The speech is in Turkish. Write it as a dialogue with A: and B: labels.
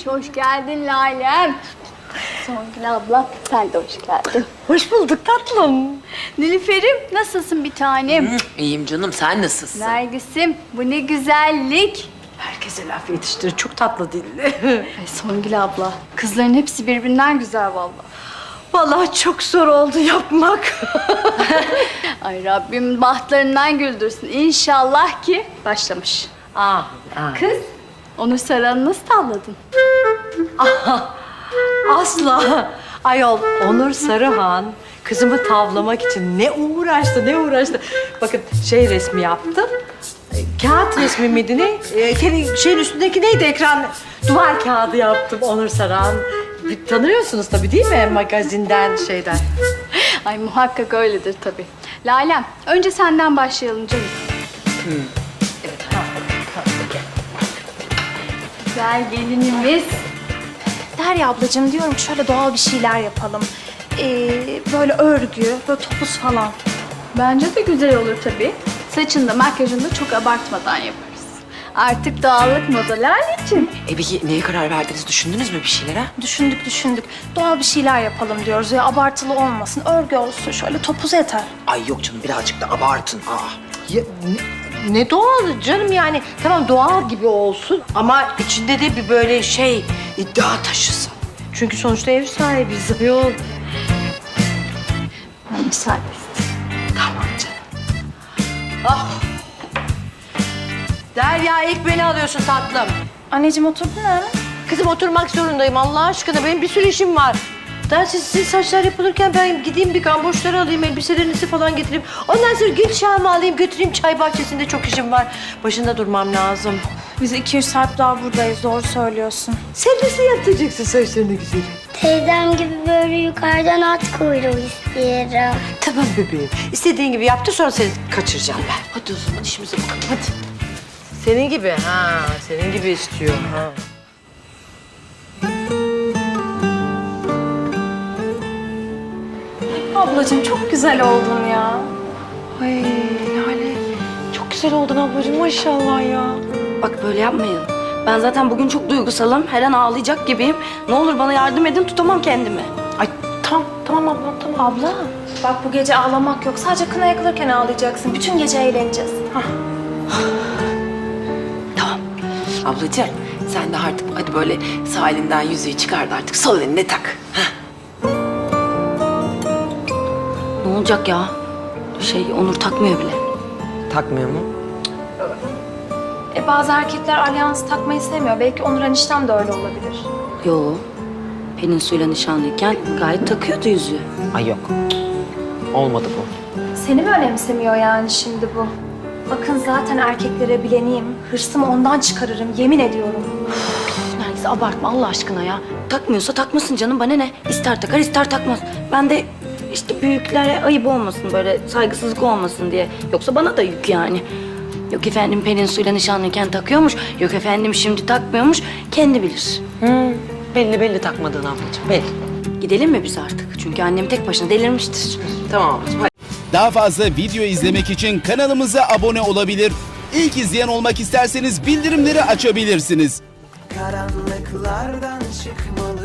A: Hoş geldin Lalem. Songül abla, sen de hoş geldin.
B: Hoş bulduk tatlım.
A: Nilüfer'im, nasılsın bir tanem?
C: İyiyim canım, sen nasılsın?
A: Nergis'im, bu ne güzellik.
B: Herkese laf yetiştirir. Çok tatlı dilli.
A: Ay Songül abla, kızların hepsi birbirinden güzel vallahi.
B: Vallahi çok zor oldu yapmak.
A: Ay Rabbim bahtlarından güldürsün. İnşallah ki başlamış. Kız, onu saranı nasıl tavladın?
B: Asla. Ayol Onur Sarıhan kızımı tavlamak için ne uğraştı. Bakın şey resmi yaptım. Kağıt resmi miydi ne? Şeyin üstündeki neydi ekran? Duvar kağıdı yaptım Onur Sarıhan. Tanıyorsunuz tabii değil mi? Magazinden şeyden.
A: Ay muhakkak öyledir tabii. Lalem, önce senden başlayalım canım. Güzel gelinimiz.
D: Derya ablacığım diyorum ki şöyle doğal bir şeyler yapalım. Böyle örgü, böyle topuz falan.
A: Bence de güzel olur tabii. Saçını da makyajını da çok abartmadan yaparız. Artık doğallık moda Lale'cim.
C: Peki neye karar verdiniz? Düşündünüz mü bir şeyler ha?
D: Düşündük. Doğal bir şeyler yapalım diyoruz. Ya abartılı olmasın, örgü olsun. Şöyle topuz yeter.
C: Ay yok canım, birazcık da abartın.
B: Ya, ne doğal canım yani. Tamam doğal gibi olsun ama içinde de bir böyle şey iddia taşısın. Çünkü sonuçta ev sahibiyiz ayol.
A: Ben müsaade
B: Tamam canım. Ah. Derya ilk beni alıyorsun tatlım.
D: Anneciğim oturdun mu?
B: Kızım oturmak zorundayım Allah aşkına. Benim bir sürü işim var. Daha sizin saçlar yapılırken ben gideyim bir gamboşları alayım, elbiselerinizi falan getireyim. Ondan sonra gül çağımı alayım, götüreyim çay bahçesinde çok işim var. Başında durmam lazım.
D: Biz 2-3 saat daha buradayız. Doğru söylüyorsun.
B: Sen nasıl yaptıracaksın saçlarını güzel?
E: Teyzem gibi böyle yukarıdan at kuyruğu istiyorum.
B: Tamam bebeğim. İstediğin gibi yaptı sonra seni kaçıracağım ben.
C: Hadi o zaman işimize bakalım, hadi.
B: Senin gibi senin gibi istiyor
D: Ablacığım çok güzel oldun ya.
F: Ay Lale, çok güzel oldun ablacığım maşallah ya.
G: Bak böyle yapmayın. Ben zaten bugün çok duygusalım. Her an ağlayacak gibiyim. Ne olur bana yardım edin, tutamam kendimi.
F: Ay tamam ablam tamam.
D: Abla, bak bu gece ağlamak yok. Sadece kına yakılırken ağlayacaksın. Bütün gece eğleneceğiz.
C: Tamam. Ablacığım, sen de artık hadi böyle sağ elinden yüzüğü çıkar da artık sol eline tak.
G: Ne olacak ya? Onur takmıyor bile.
C: Takmıyor mu?
D: Bazı erkekler alyans takmayı sevmiyor. Belki Onur eniştem de öyle olabilir.
G: Yo. Pelin Su'yla nişanlıyken gayet takıyordu yüzüğü.
C: Ay yok. Olmadı bu.
D: Seni mi önemsemiyor yani şimdi bu? Bakın zaten erkeklere bileniyim. Hırsımı ondan çıkarırım, yemin ediyorum.
G: Nergis abartma Allah aşkına ya. Takmıyorsa takmasın canım, bana ne? İster takar ister takmaz. Ben de işte büyüklere ayıp olmasın, böyle saygısızlık olmasın diye. Yoksa bana da yük yani. Yok efendim Pelin Su'yla nişanlıyken takıyormuş. Yok efendim şimdi takmıyormuş. Kendi bilir.
C: Belli takmadığın ablacığım, belli.
G: Gidelim mi biz artık? Çünkü annem tek başına delirmiştir.
C: Tamam ablacığım, hadi.
H: Daha fazla video izlemek için kanalımıza abone olabilir. İlk izleyen olmak isterseniz bildirimleri açabilirsiniz.
I: Karanlıklardan çıkmalı